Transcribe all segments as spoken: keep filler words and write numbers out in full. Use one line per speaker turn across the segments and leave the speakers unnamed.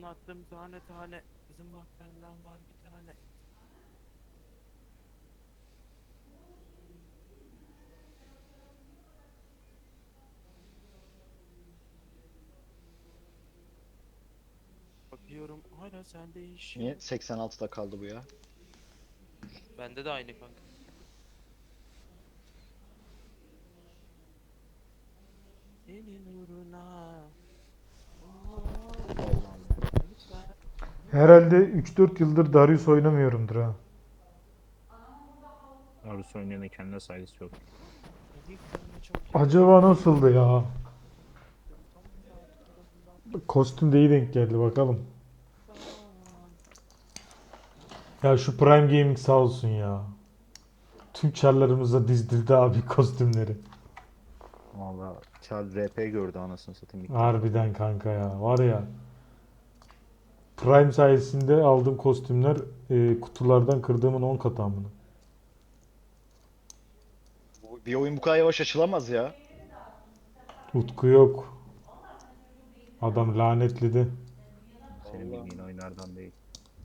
anlattım tane tane. Bizim bak benden var bir tane. Bakıyorum hala sende iş
Niye
yok.
seksen altıda kaldı bu ya?
Bende de aynı kanka. Senin uğruna. Oo,
Allah Allah.
lütfen.
Herhalde üç dört yıldır Darius oynamıyorumdur ha.
Naruto oynayanın kendine saygısı yok.
Dediklerime çok
Acaba
yakıştı.
nasıldı ya?
Tam saat kulağından
Kostüm de iyi denk geldi bakalım.
tutan.
Ya şu Prime Gaming sağ olsun ya. Tüm çarlarımıza dizdirdi abi kostümleri.
Valla Charles R P gördü anasını satayım ilk defa.
Harbiden kanka ya. Var ya. Prime sayesinde aldığım kostümler e, kutulardan kırdığımın on katı amına.
Bu- Bir oyun bu kadar yavaş açılamaz ya.
Utku yok. Adam lanetledi.
Senin
Allah.
bildiğin oyunlardan değil.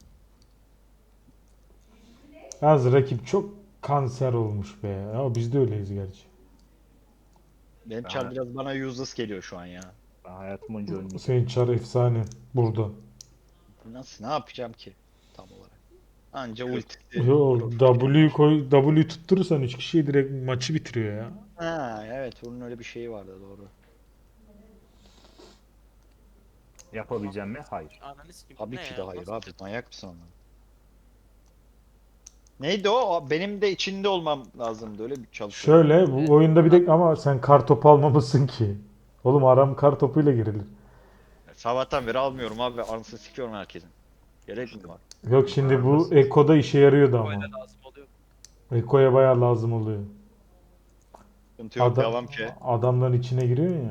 Yalnız rakip çok kanser olmuş be. Ya biz de öyleyiz gerçi.
Benim
Ben,
çar
hay-
biraz bana useless geliyor şu an ya.
ben hayatım boyunca ölmeyeceğim.
Senin çar efsane burada.
Nasıl ne yapacağım ki tam olarak? Anca ultisi.
Yo,
profili.
W koy, W tutturursan üç kişiyi direkt maçı bitiriyor ya.
Ha evet onun öyle bir şeyi vardı doğru.
Yapabileceğim mi? Hayır.
Ananı sikeyim.
Tabii
Ne
ki
ya?
de hayır
Nasıl
abi
olacak?
manyak mısın ondan? Neydi o? O benim de içinde olmam lazımdı öyle bir çalışıyordu.
Şöyle bu
Evet,
oyunda bir de
adam-
ama sen kar topu almamışsın ki. Oğlum aram kar topuyla girilir.
Sabahtan beri almıyorum abi anasını sikiyorum herkesin. Gerek mi var?
Yok şimdi bu
Arada-
Eko'da işe yarıyordu ama.
Böyle lazım oluyor.
Eko'ya bayağı lazım oluyor.
Sıkıntı yok
Ada-
devam ki.
adamların içine giriyor ya.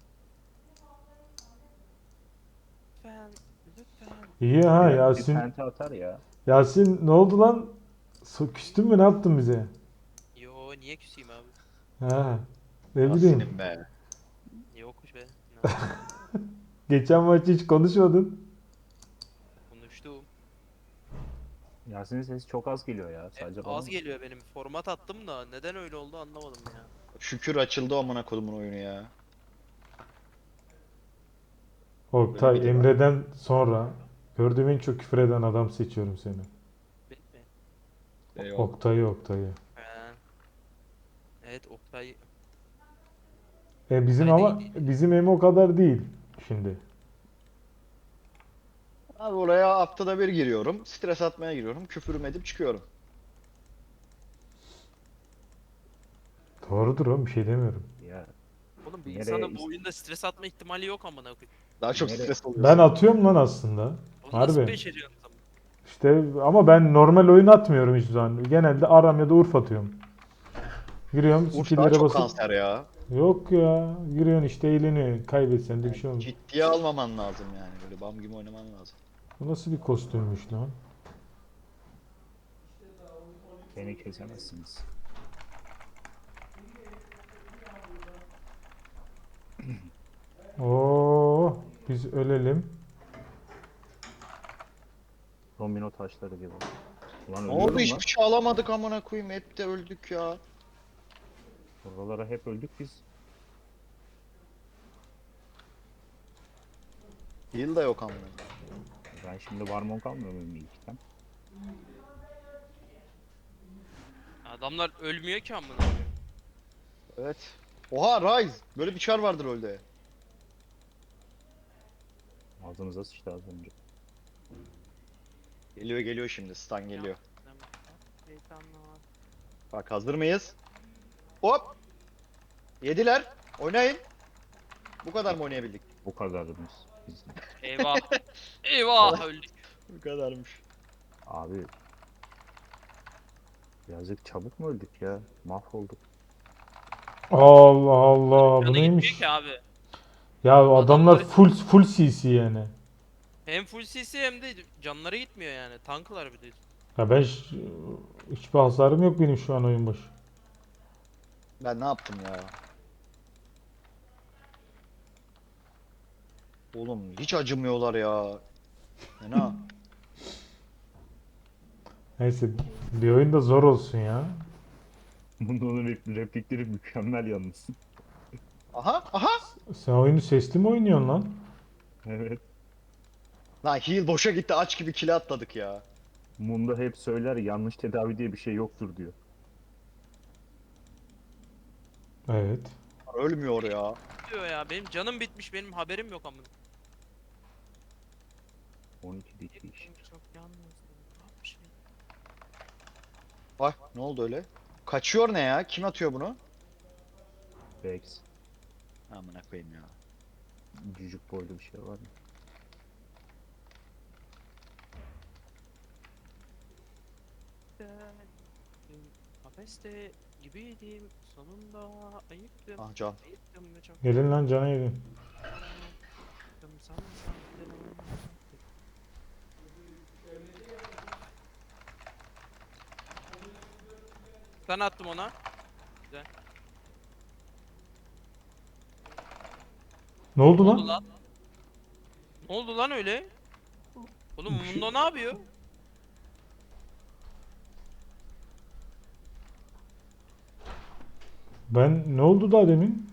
Lütfen. Lütfen.
İyi ha
Bir, bir
Yasin.
penta atar ya.
Yasin ne oldu lan? So- Küstün mü ne yaptın bize?
Yo niye küseyim abi?
Ha. Ne bileyim.
Aslım be.
Yokmuş be. Ne yapayım?
Geçen maç hiç konuşmadın.
Konuştum.
Yasin'in sesi çok az geliyor ya.
E,
Sadece bana
az
mı?
geliyor benim. Format attım da neden öyle oldu anlamadım ya.
Şükür açıldı amına kodumun oyunu ya. Öyle bir
Oktay
de var.
Emre'den sonra gördüğüm en çok küfür eden adam seçiyorum seni.
Benim mi?
Eyvallah.
Oktay'ı Oktay'ı.
Ha. Evet Oktay.
E bizim
Oktay da
ama
iyi.
bizim Emo o kadar değil şimdi.
Abi oraya haftada bir giriyorum. Stres atmaya giriyorum. Küfürüm edip çıkıyorum.
Doğrudur oğlum bir şey demiyorum.
Ya
Oğlum bir
nereye
insana bu
is-
oyunda stres atma ihtimali yok amına koyayım.
Daha çok
Nereye-
stres
Ben
oluyorsun.
atıyorum lan aslında.
Onu nasıl
Harbi.
beceriyorsun o zaman?
İşte ama ben normal oyun atmıyorum hiçbir zaman. Genelde Aram ya da Urf atıyorum. Giriyorum
Urf daha
skill'lere
çok
basıp.
kanser ya.
Yok ya. Giriyorsun işte eğleniyor. Kaybetsen de bir şey olmuyor.
Ciddiye almaman lazım yani. Böyle bam gibi oynaman lazım.
Bu nasıl bir kostümmüş lan?
beni kesemezsiniz.
Oo, biz ölelim.
Domino taşları gibi. Ulan
Ne oldu
ölüyorum lan.
hiçbir şey alamadık amına koyayım. Hep de öldük ya.
Buralara hep öldük biz.
Heal da yok amına.
Ben şimdi Warmong almıyor muyum ilkten?
Adamlar ölmüyor ki amına koyayım.
Evet. Oha Rise. Böyle bir çar vardır öyle.
Ağzınıza sıçtı az önce.
Geliyor geliyor şimdi. Stun geliyor.
Şeytanlar.
Bak hazır mıyız? Hop. Yediler. Oynayın. Bu kadar mı oynayabildik?
Bu kadarımız biz.
Eyvah. Eyvah öldük.
Bu kadarmış.
Abi birazcık çabuk mu öldük ya? Mahvolduk.
Allah Allah bu
Canı
neymiş?
gitmiyor ki abi.
Ya adamlar
Adamlar-
full full C C yani.
Hem full C C hem de canları gitmiyor yani. Tanklar bir de.
Ya ben ş- hiçbir hasarım yok benim şu an oyun başı.
Ben ne yaptım ya? Oğlum hiç acımıyorlar ya. Fena.
Neyse bir oyun da zor olsun ya.
Bunun rep- replikleri mükemmel yalnız.
Aha aha.
Sen oyunu sesli mi oynuyorsun lan?
Evet.
Lan heal boşa gitti, aç gibi kile atladık ya.
Munda hep söyler yanlış tedavi diye bir şey yoktur diyor.
Evet.
Ölmüyor ya.
Diyor ya benim canım bitmiş benim haberim yok ama.
on iki dikiş.
Çok yalnızdım. Ne yapmışım?
Ay ne oldu öyle? Kaçıyor ne ya? Kim atıyor bunu?
Vex.
Amına koyayım ya.
Cücük boylu bir şey var mı?
Kafeste gibiydim sonunda ayıktım.
Ah can.
Ayıktım ve çok
Gelin lan cana gelin.
ayıktım sana sandım. Ben attım ona. Güzel.
Ne oldu
Ne
lan?
oldu lan? Ne oldu lan öyle? Oğlum
Bir şey-
Mundo ne yapıyor?
Ben ne oldu daha demin?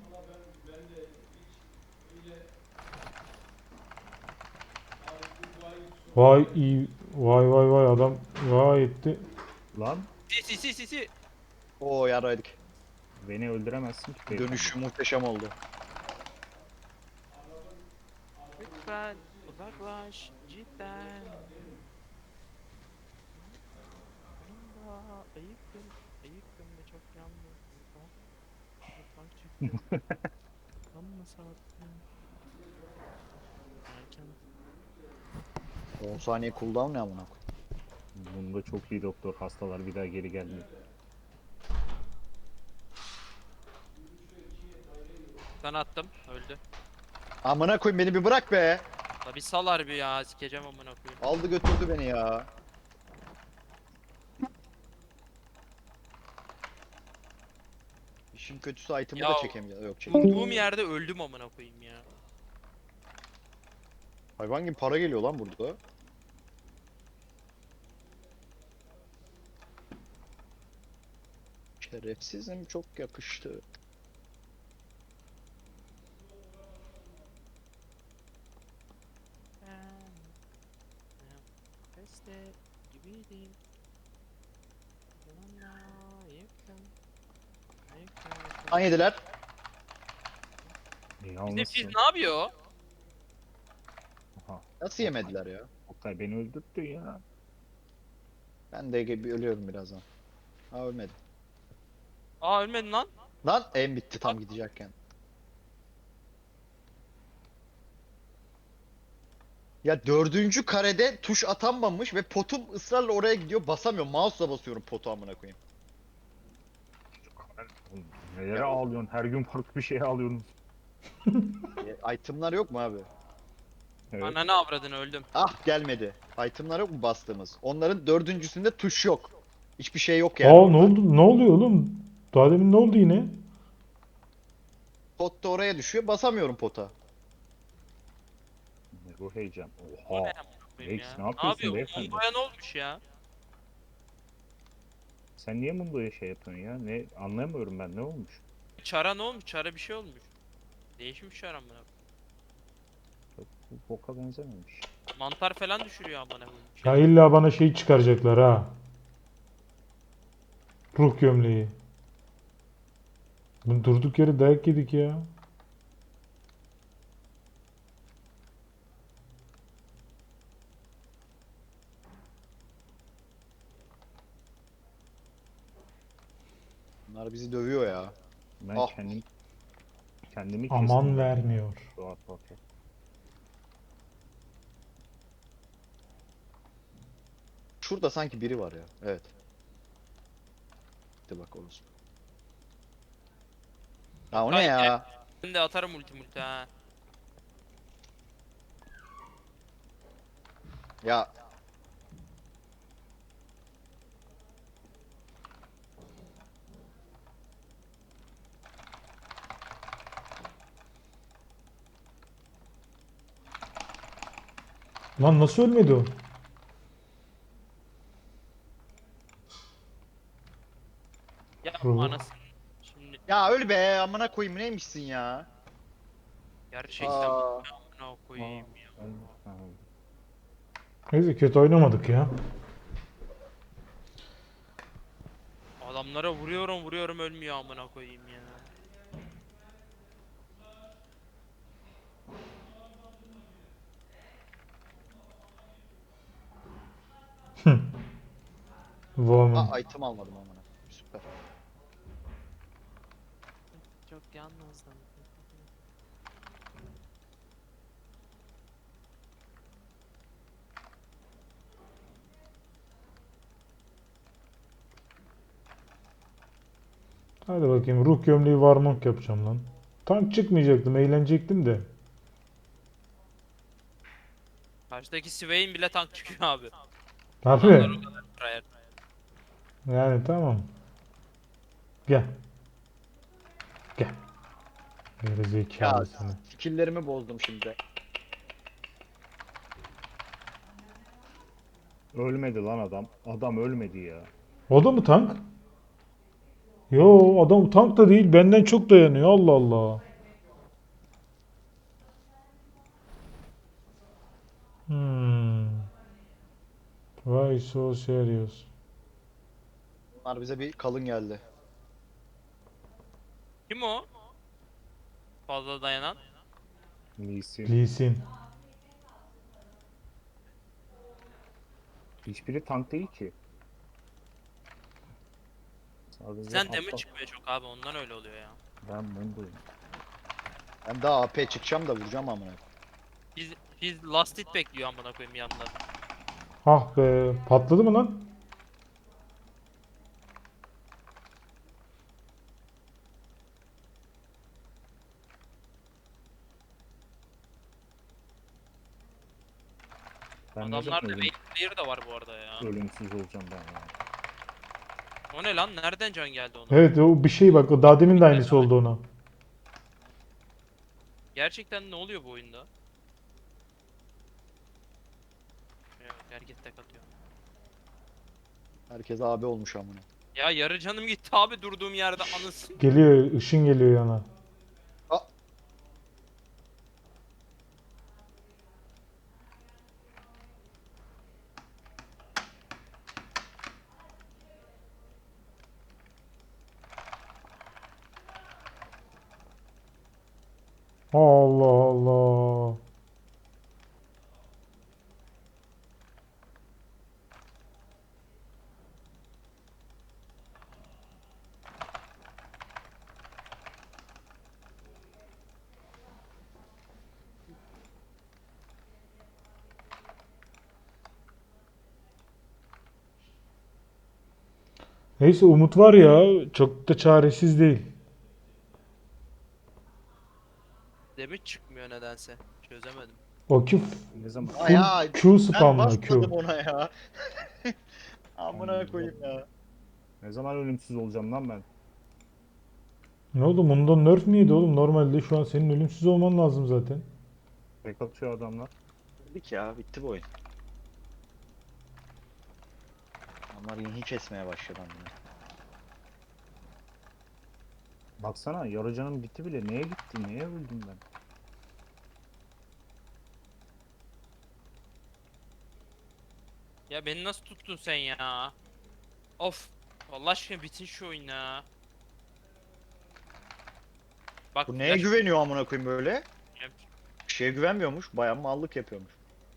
Vay iyi. Vay vay vay adam vay etti.
Lan
Si si si si si.
Oo yaraydık.
beni öldüremezsin ki. beyefendi.
Dönüşü muhteşem oldu.
Lütfen uzaklaş cidden. Sonunda ayıktım. Ayıktım ve çok yalnız. Mutfak çıktım. Amma sattım. Erken.
on saniye cooldown ne amına koyayım.
Bunda çok iyi doktor. Hastalar bir daha geri gelmiyor.
Ben attım. Öldü.
Amına koyayım, beni bir bırak be.
La bir sal harbi ya. Sikeceğim amına koyayım.
Aldı götürdü beni ya. İşin kötüsü item'ı
Ya,
da çekemeyeceğim. Yok çekemeyeceğim.
Durduğum yerde öldüm amına koyayım ya.
Hayvan gibi para geliyor lan burada. Şerefsizim, çok yakıştı.
Ben Kafeste gibiydim. Sonunda ayıktım. Ayıktım. ve çok-
Kan yediler.
E,
Bizim
yalnızsın.
Fizz ne yapıyor?
Aha.
Nasıl yemediler ya?
Oktay beni öldürttü ya.
Ben de gibi ölüyorum birazdan. Ha ölmedi.
Aa ölmedin lan.
Lan en bitti tam gidecekken. Ya dördüncü karede tuş atanmamış ve potum ısrarla oraya gidiyor, basamıyorum. Mouse'la basıyorum potu amına koyayım.
Oğlum, nelere ağlıyorsun? Her gün farklı bir şeye ağlıyorsun.
E, itemlar yok mu abi?
Evet.
Ananı avradını öldüm.
Ah gelmedi. Itemlar yok mu bastığımız? Onların dördüncüsünde tuş yok. Hiçbir şey yok yani.
Aa ne
orada.
oldu? Ne oluyor oğlum? Daha demin ne oldu yine?
Pot da oraya düşüyor. Basamıyorum pota.
Ne bu heyecan.
O ne
Oha.
amına koyayım
Rex,
ya?
ne yapıyorsun
yapıyor?
beyefendi?
Mundo'ya ne olmuş ya?
Sen niye Mundo'ya şey yapıyorsun ya? Ne anlayamıyorum ben. Ne olmuş?
Çara ne olmuş? Çara bir şey olmuş. Değişmiş çara amına.
Çok bu boka benzememiş.
Mantar falan düşürüyor amına koyayım.
Ya illa bana şey çıkaracaklar ha. Ruh gömleği. Bu durduk yere dayak yedik ya.
Bunlar bizi dövüyor ya.
Ben
Ah.
kendim kendimi
Aman
kestim.
vermiyor.
Rahat rahat.
Şurada sanki biri var ya. Evet. Hadi bak orası. Ha o ne ya?
Ben de atarım ulti multi ha.
Ya
Lan nasıl ölmedi o?
Ya
Bravo.
anasını şimdi
Ya öl be amına koyayım neymişsin ya?
gerçekten
Aa.
amına koyayım ya.
Ben- Ha,
Neyse kötü oynamadık ya.
Adamlara vuruyorum vuruyorum ölmüyor amına koyayım ya.
Woman.
Aa item almadım amına. Süper.
Çok yalnızdım.
Hadi bakayım ruh gömleği varmonk yapacağım lan. Tank çıkmayacaktım, eğlenecektim de.
Karşıdaki Swain bile tank çıkıyor abi.
Harbi.
Adamlar o kadar tryhard.
Yani tamam. Gel. Gel. Geri
Ya
zekalı seni.
skill'lerimi bozdum şimdi.
Ölmedi lan adam. Adam ölmedi ya.
O da mı tank? Yo adam tank da değil, benden çok dayanıyor. Allah Allah. Hmm. Why so serious?
Bunlar bize bir kalın geldi.
Kim o? Fazla dayanan.
Lee Sin.
Lee Sin.
Hiçbiri tank değil ki. Sadece
Sen de mi
aptal.
çıkmıyor çok abi ondan öyle oluyor ya.
Ben bunu duydum.
Ben daha A P çıkacağım da vuracağım amına.
Biz biz last hit bekliyor amına koyayım yanında.
Ah be, patladı mı lan?
Ben ne zaman
Adamlarda
ölüm,
wait clear da var bu arada ya.
ölümsüz olacağım ben ya.
O ne lan? Nereden can geldi ona?
Evet o bir şey bak, o daha demin de aynısı oldu ona.
Gerçekten ne oluyor bu oyunda? Yok herkes tek atıyor.
Herkes abi olmuş amına.
Ya yarı canım gitti abi durduğum yerde anasını.
Geliyor, ışın geliyor yana.
Aa.
Allah Allah. Neyse umut var ya, çok da çaresiz değil.
Demir çıkmıyor nedense. Çözemedim.
O Q,
Ne zaman?
Aa ya
Q
ben
spamla Q.
basmadım ona ya. Amına koyayım ya.
Ne zaman ölümsüz olacağım lan ben?
Ne oldu? Bundan nerf mi yedi oğlum? Normalde şu an senin ölümsüz olman lazım zaten.
Tek atıyor adamlar.
Dedik ya bitti bu oyun. Onlar yeni kesmeye başladı amına.
Baksana yarı canım gitti bile. Neye gitti? Neye öldüm ben?
Ya beni nasıl tuttun sen ya? Of. Allah aşkına bitin şu oyun ya. Bak
Bu neye
flash-
güveniyor amına koyayım böyle? Bir şeye güvenmiyormuş. Bayağı mallık yapıyormuş.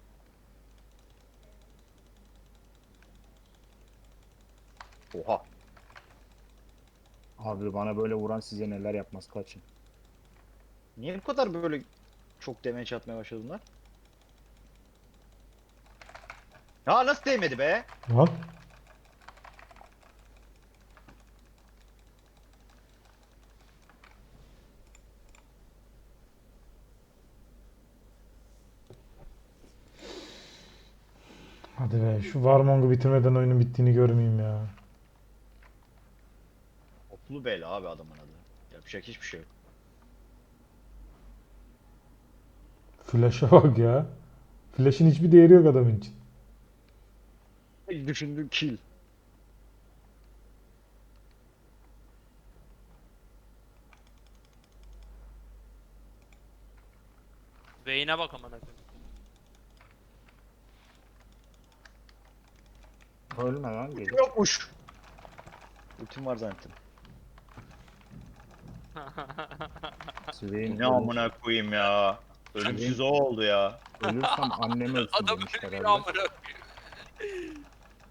Oha.
Abi bana böyle vuran size neler yapmaz kaçın.
Niye bu kadar böyle çok damage atmaya başladı bunlar? Ya nasıl değmedi be?
Lan. Hadi be, şu Warmong'u bitirmeden oyunun bittiğini görmeyeyim ya.
Oklu bela abi adamın adı. Yapacak hiçbir şey yok.
Flash'a bak ya. Flash'in hiçbir değeri yok adamın için.
Düşündüm kill.
Vayne'e bak amına koyayım.
Ölme lan geri.
Yokmuş. Ultim var zannettim.
Swain
Ne amına koyayım ya. Ölümsüz o oldu ya.
Ölürsem annem ölsün
Adam
demiş
ölmüyor
herhalde.
amına koyayım.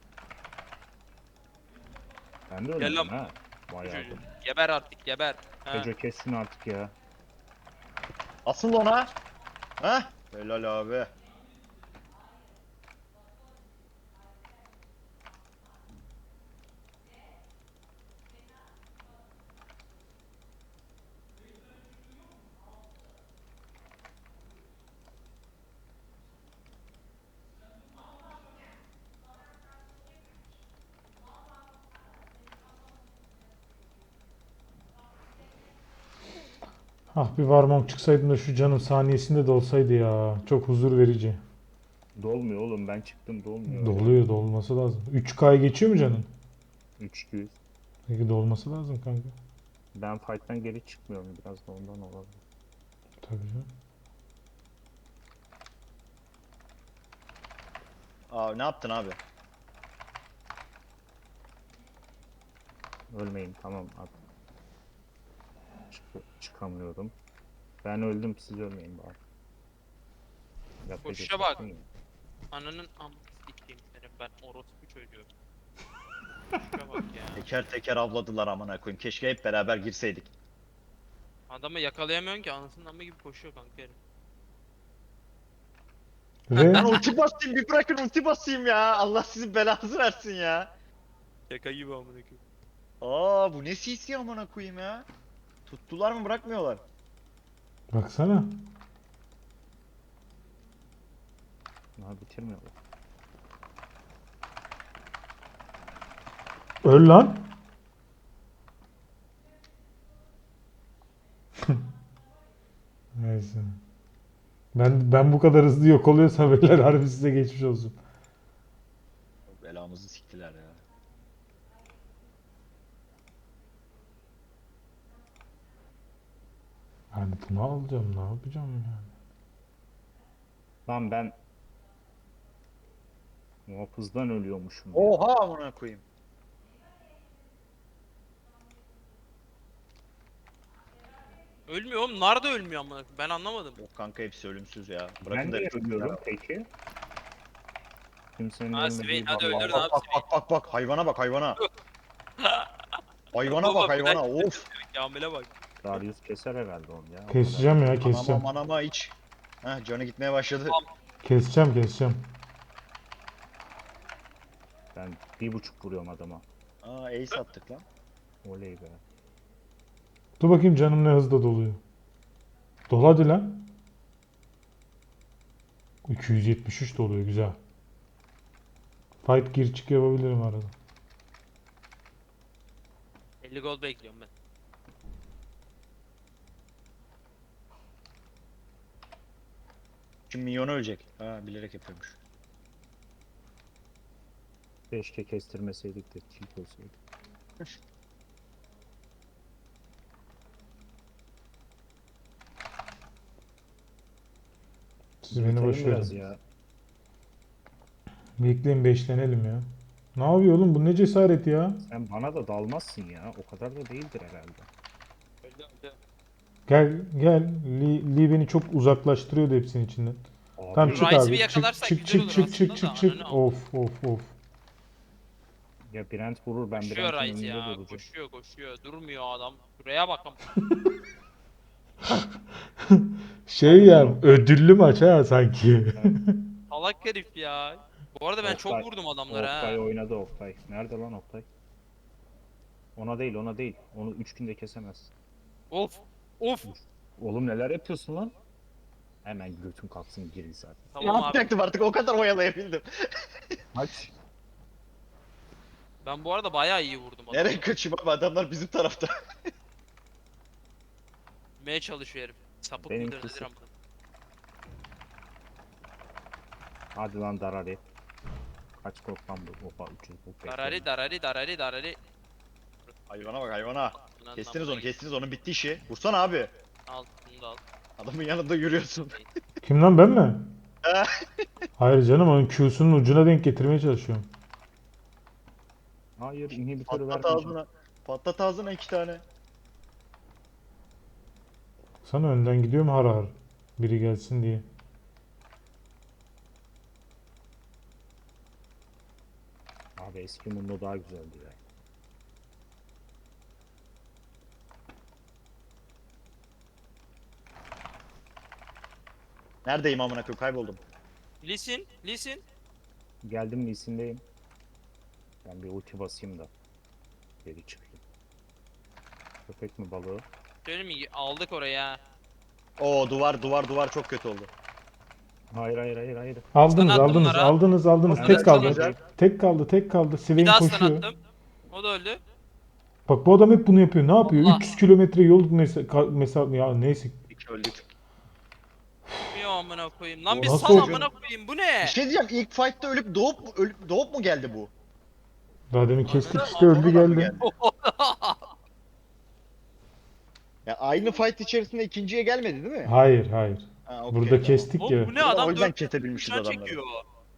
Ben de
Gel
ölmedim
lan.
ha. Bayağı
Çocuğu.
bu.
Geber artık geber. Ha.
Koca kes şunu artık ya.
Asıl ona. Ha? Helal abi.
Ah bir Warmong çıksaydım da şu canın saniyesinde de olsaydı ya. Çok huzur verici.
Dolmuyor oğlum, ben çıktım dolmuyor.
Doluyor, dolması lazım. üç K'yı geçiyor mu canın?
üç yüz.
Peki dolması lazım kanka.
Ben fight'tan geri çıkmıyorum, biraz da ondan olabilir.
Tabii canım.
Aa ne yaptın abi?
Ölmeyin tamam at. Çık çıkamıyorum. Ben öldüm, siz ölmeyin bari. Yapacak
Koşuşa
bir şey
bak.
yok.
Ananın amını sikeyim seni ben orospu çocuğu. Şuna bak ya.
Teker teker avladılar amına koyayım. Keşke hep beraber girseydik.
Adamı yakalayamıyorsun ki anasının amı gibi koşuyor kanka herif.
Ve
Ben ulti basayım bir bırakın ulti basayım ya. Allah sizin belanızı versin ya.
Şaka gibi amına koyayım.
Aa bu ne C C amına koyayım ya. Tuttular mı bırakmıyorlar.
baksana.
Ha bitirmiyorlar.
Öl lan. Neyse. Ben ben bu kadar hızlı yok oluyorsa beyler harbi size geçmiş olsun.
Belamızı siktiler ya.
Yani bunu alacağım, ne yapacağım yani?
Lan ben muhafızdan ölüyormuşum. ya.
Oha amına koyayım.
Ölmüyor oğlum. Nar da ölmüyor amına koyayım. Ben anlamadım.
Yok kanka hepsi ölümsüz ya. Bırakın
Ben
da
niye
hep
ölüyorum peki? Kimsenin
Ha,
ölmediği
Swain,
bir
hadi
alan
öldür
var.
abi.
Bak bak bak bak hayvana bak hayvana. Hayvana
Baba,
bak
bir
hayvana
dakika.
of.
Kamil'e bak.
Darius keser herhalde onu ya. o
Keseceğim ya,
Anama
keseceğim.
manama iç. Heh canı gitmeye başladı.
Tamam.
Keseceğim, keseceğim.
kadar. Ben bir buçuk vuruyorum adama.
Aa ace attık lan.
Oley be.
Dur bakayım canım ne hızlı doluyor. Dol hadi lan. iki yüz yetmiş üç doluyor, güzel. Fight gir çık yapabilirim arada.
elli gol bekliyorum ben.
Şimdi minyonu ölecek. Ha bilerek yapıyormuş.
Keşke kestirmeseydik de tilt olsaydı.
Siz beni
Yürütelim
boş
biraz
verin.
ya.
Bekleyin, beşlenelim ya. Ne yapıyor oğlum, bu ne cesaret ya?
Sen bana da dalmazsın ya. O kadar da değildir herhalde.
Öldü öldü.
Gel gel. Lee, Lee beni çok uzaklaştırıyordu hepsinin içinden.
Abi,
Tamam
Şu
çık
Rice'i
abi.
bir
Çık
yakalarsak
çık
güzel
çık
olur
çık çık
aslında
çık
da,
çık.
ananı
Of of of.
ya Brent vurur, ben
Koşuyor
Brent'in
Rice
önünde
ya.
duracağım.
Koşuyor koşuyor. Durmuyor adam. Şuraya bak.
Şey ya, ödüllü maç ha sanki.
Salak herif ya. Bu arada ben çok
Oktay-
vurdum adamlara ha.
Oktay oynadı Oktay. Nerede lan Oktay? Ona değil ona değil. Onu üç günde kesemez.
Of. Of.
Oğlum neler yapıyorsun lan? Hemen götün kalksın girin zaten.
Ne
Tamam abi.
yapacaktım artık o kadar oyalayabildim.
Aç.
Ben bu arada bayağı iyi vurdum adamı.
Nereye kaçayım abi adamlar bizim tarafta.
Vurmaya çalışıyor herif. Sapık
Benim
mıdır nedir
kısım-
amına.
Hadi lan Darari. Kaç kork lan bu? Oha üç yüz kork.
Darari darari darari darari.
Hayvana bak hayvana.
Ananın
Kestiniz
amına
onu kestiniz onun bitti işi. Vursana abi.
Al bunu da al.
Adamın yanında yürüyorsun.
Kim lan, ben mi?
He.
Hayır canım, onun Q'sunun ucuna denk getirmeye çalışıyorum.
Hayır inhibitörü
Patlat
vermeyeceğim.
ağzına. Patlat ağzına iki tane.
Sana önden gidiyorum har har. Biri gelsin diye.
Abi eski Mundo daha güzeldi ya.
Neredeyim amına koyayım kayboldum.
Lisin, lisin.
Geldim Lee'sindeyim. Ben bir ulti basayım da. Geri çıkayım. Köpek mi balığı?
Söyleyeyim mi? Aldık oraya ha.
Oo duvar duvar duvar çok kötü oldu.
Hayır hayır hayır hayır.
Aldınız
Stun attım
aldınız
onlara.
aldınız aldınız.
Ben
Tek
de
kaldı.
güzel.
Tek kaldı tek kaldı.
Bir
Swain
daha stun
koşuyor.
attım. O da öldü.
Bak bu adam hep bunu yapıyor. Ne yapıyor?
Allah.
üç yüz kilometre yol mesa- mesafe ya neyse.
İki öldük.
Bir amına koyayım. Lan bir
Nasıl
sal
oldu?
amına koyayım. Bu ne?
Bir şey diyeceğim ilk fight'ta ölüp doğup mu, ölüp doğup mu geldi bu?
Daha demin kestik
Arkada-
işte, öldü
Sonradan mı
geldi.
Ya aynı fight içerisinde ikinciye gelmedi değil mi?
Hayır hayır.
Ha, okey,
Burada
tamam.
kestik
Oğlum
ya.
bu ne
O
adam
yüzden
dört
kesebilmişiz
uçağı
adamları.
çekiyor.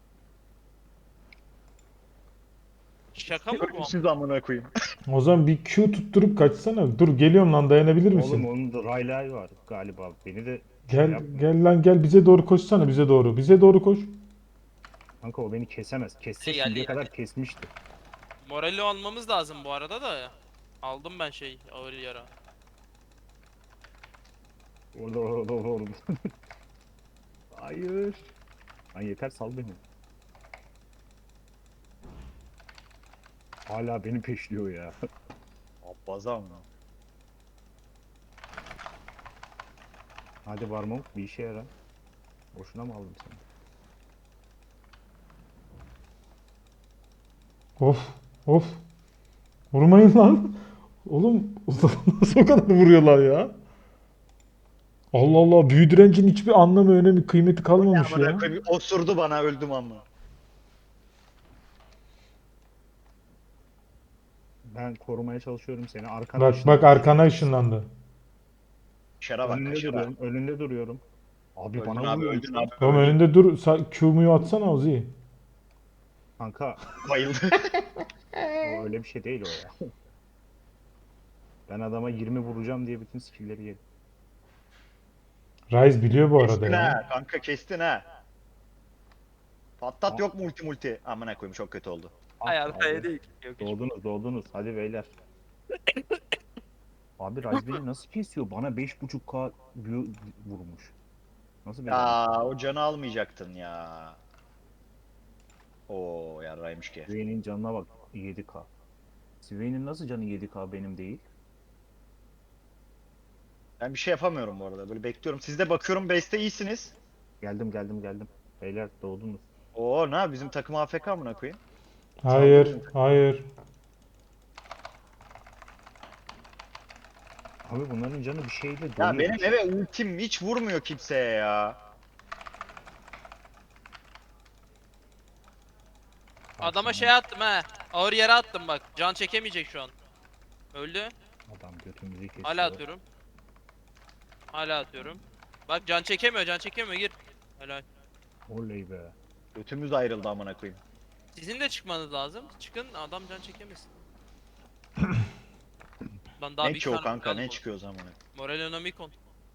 Şaka mı bu?
Ölümsüz amına koyayım.
O zaman bir Q tutturup kaçsana. Dur geliyorum lan, dayanabilir misin?
Oğlum onun da Rayla'yı var galiba. Beni de
Gel
şey yapma.
gel lan gel, bize doğru koşsana, bize doğru. Bize doğru koş.
Kanka o beni kesemez. Kesse
Şey,
şimdiye
geldi,
kadar
geldi.
kesmişti.
Morali almamız lazım bu arada da. Aldım ben şey ağır yara.
Orada orada orada orada. Hayır. Lan yeter sal beni. Hala beni peşliyor ya.
Abbazam mı?
Hadi Varmok bir işe yara. Boşuna mı aldım seni?
Of of. Vurmayın lan. Oğlum nasıl o kadar vuruyorlar ya? Allah Allah, büyü direncin hiçbir anlamı, önemi, kıymeti kalmamış
Amına
ya.
koyayım osurdu bana öldüm ama.
Ben korumaya çalışıyorum seni. Arkana
Bak
ışınlan.
bak arkana ışınlandı.
Şara bak
Önünde
şara.
duruyorum. Önünde duruyorum. Abi
Öldün
bana
abi
vuruyor.
öldün abi.
Oğlum
öldün.
önünde dur. Sa- Q'muyu atsana Ozi.
Kanka
Bayıldı.
o öyle bir şey değil o ya. Ben adama yirmi vuracağım diye bütün skill'leri yedim.
Ryze biliyor bu arada
Kestin
ya.
ha kanka kestin ha. Patlat yok mu ulti multi? Amına koyayım çok kötü oldu.
Ah
Hayatta
abi.
değil. Yok hiç.
Doğdunuz doğdunuz. Hadi beyler. Abi Ryze beni nasıl kesiyor? Bana beş buçuk K büyü vurmuş. Nasıl bir adam?
Ya o canı almayacaktın ya. Oo yarraymış ki.
Swain'in canına bak yedi K. Swain'in nasıl canı yedi K benim değil?
Ben bir şey yapamıyorum bu arada. Böyle bekliyorum. Siz de bakıyorum base'te iyisiniz.
Geldim geldim geldim. Beyler doğdunuz.
Oo ne bizim takım A F K amına koyayım.
Hayır hayır.
Abi bunların canı bir şeyle
Ya
doluyor.
benim eve ultim hiç vurmuyor kimseye ya.
Adama şey attım ha. Ağır yara attım bak. Can çekemeyecek şu an. Öldü.
Adam götümüzü kesiyor.
Hala atıyorum. Hala atıyorum. Bak can çekemiyor, can çekemiyor. Gir. Helal.
Oley be.
Götümüz ayrıldı amına koyayım.
Sizin de çıkmanız lazım. Çıkın adam can çekemesin. Lan daha
Ne
bir
ki o
tane
kanka
moral
ne
bu.
çıkıyor o zaman?
Moralonomikon.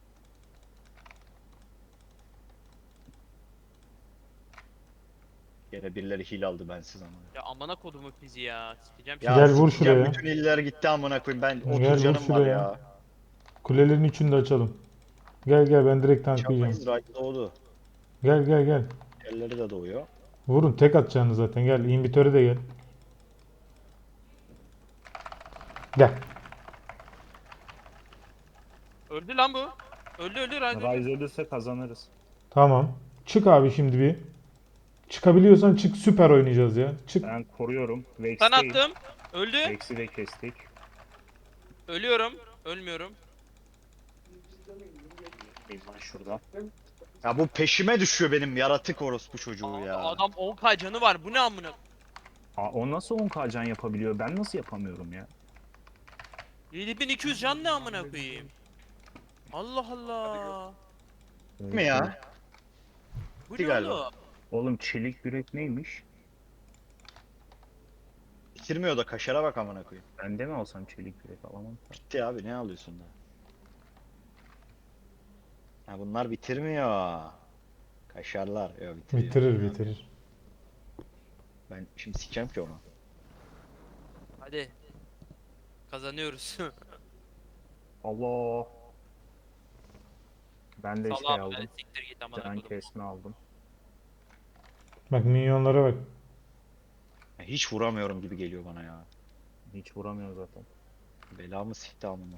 Yine birileri heal aldı bensiz ama.
Ya amına kodumu fizi ya. Sikeceğim
Ya
Gel vur
sikeceğim,
şuraya.
bütün iller gitti amına koyayım. Ben
Gel
otuz
vur
canım var
şuraya.
ya.
Kulelerin üçünü de açalım. Gel gel, ben direkt tanklayacağım.
Çamayız right doğdu.
Gel gel gel.
Elleri de doğuyor.
Vurun, tek atacağını zaten. Gel, inhibitöre de gel. Gel.
Öldü lan bu. Öldü öldü Ryze öldü.
Ryze ölürse kazanırız.
Tamam. Çık abi şimdi bir. Çıkabiliyorsan çık, süper oynayacağız ya. Çık.
Ben koruyorum.
Sen
Vex'teyim.
attım. Öldü.
Vex'i de kestik.
Ölüyorum. Ölmüyorum.
Bir lan şurada.
Ya bu peşime düşüyor benim yaratık orospu çocuğu
Abi
ya.
adam on k canı var. Bu ne amına?
Aa, o nasıl on K can yapabiliyor? Ben nasıl yapamıyorum ya?
yedi bin iki yüz can ne amına koyayım? Allah Allah.
Değil mi ya?
Bu
Bitti
ne
galiba.
oğlum?
Oğlum çelik yürek neymiş?
Bitirmiyor da kaşara bak amına koyayım.
Ben de mi alsam çelik yürek alamam.
Bitti abi ne alıyorsun da? Ha bunlar bitirmiyor. Kaşarlar. Yok bitiriyor.
Bitirir bitirir.
Ben şimdi sikeceğim ki onu.
Hadi. Kazanıyoruz.
Allah. Ben de şey
Salam
aldım.
be, siktir git amına
Can
koydum.
kesme aldım.
Bak minyonlara bak.
Ya hiç vuramıyorum gibi geliyor bana ya.
Hiç vuramıyor zaten.
Belamı sikti amına.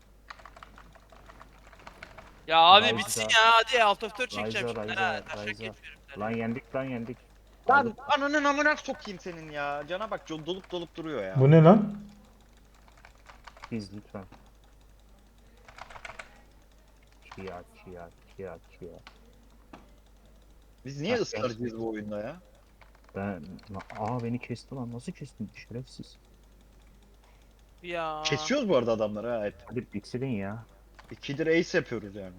Ya abi
Ryza.
bitsin ya hadi alt F dört çekeceğim
Ryza,
şimdi.
Ryza,
Ha, taşak
Ryza.
geçiyorum.
Lan yendik lan yendik.
Lan ananın amına sokayım senin ya. Cana bak co- dolup dolup duruyor ya.
Bu ne lan?
Biz lütfen. Kia kia kia kia.
Biz niye
Ha,
ısrarcıyız
gerçekten.
bu oyunda ya?
Ben... Aa beni kesti lan. Nasıl kestin? Şerefsiz.
Ya.
Kesiyoruz bu arada adamları ha. Evet.
Hadi bitirin ya.
İkidir ace yapıyoruz yani.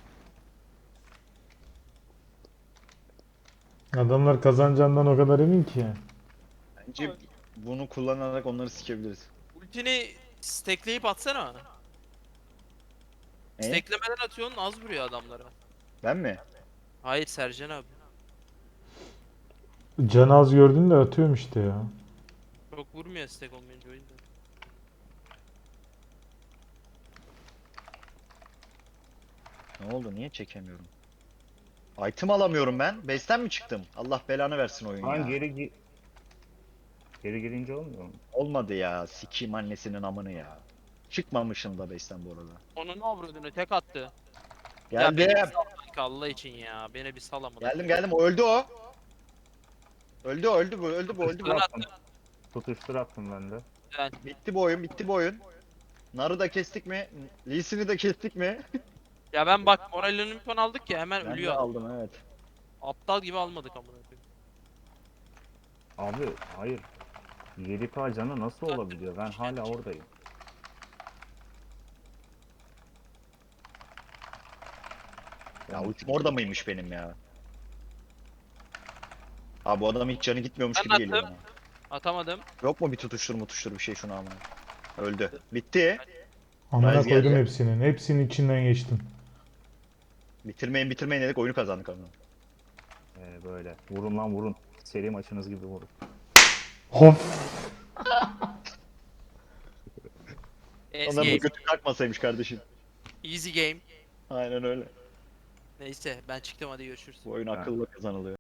Adamlar kazanacağından o kadar emin ki.
Bence bunu kullanarak onları sikebiliriz.
Ultini stackleyip atsana.
E?
Stacklemeden atıyorsun az vuruyor adamlara.
Ben mi?
Hayır Sercan abi.
Can az gördün de atıyorum işte ya.
Çok vurmuyor stack olmayınca o yüzden.
Ne oldu? Niye çekemiyorum? Item alamıyorum ben. Base'ten mi çıktım? Allah belanı versin oyun
Lan
ya.
geri gi... Geri girince olmuyor mu?
Olmadı ya. Sikeyim annesinin amını ya. Çıkmamışım da base'ten bu arada.
Onun avradını tek attı.
Geldim.
Ya beni bir sal kanka, Allah için ya. Beni bir sal amına.
Geldim geldim. O öldü o. Öldü o, öldü bu, öldü bu, öldü bu.
Ben
Attım.
attım.
Tutuştur attım ben de.
Güzel.
Bitti bu oyun, bitti bu oyun. Nar'ı da kestik mi? Lee Sin'i de kestik mi?
Ya ben bak Morello'nun bir ton aldık ya hemen
Ben de
ölüyor.
aldım evet.
Aptal gibi almadık amına koyayım.
Abi hayır. yedi K canı nasıl olabiliyor? Ben hala oradayım.
Ya ultim orada mıymış benim ya? Abi bu adam hiç canı gitmiyormuş
Ben
gibi geliyor
attım.
bana.
Atamadım.
Yok mu bir tutuştur mutuştur bir şey şuna ama. Öldü. Bitti.
Amına
Rise
koydum
geldi.
hepsinin. Hepsinin içinden geçtim.
Bitirmeyin bitirmeyin dedik oyunu kazandık ama.
Ee, böyle. Vurun lan vurun. Seri maçınız gibi vurun.
Hop.
Easy
Onların da
game.
götü kalkmasaymış kardeşim.
Easy game.
Aynen öyle.
Neyse ben çıktım hadi görüşürüz.
Bu oyun
Ha.
akılla kazanılıyor.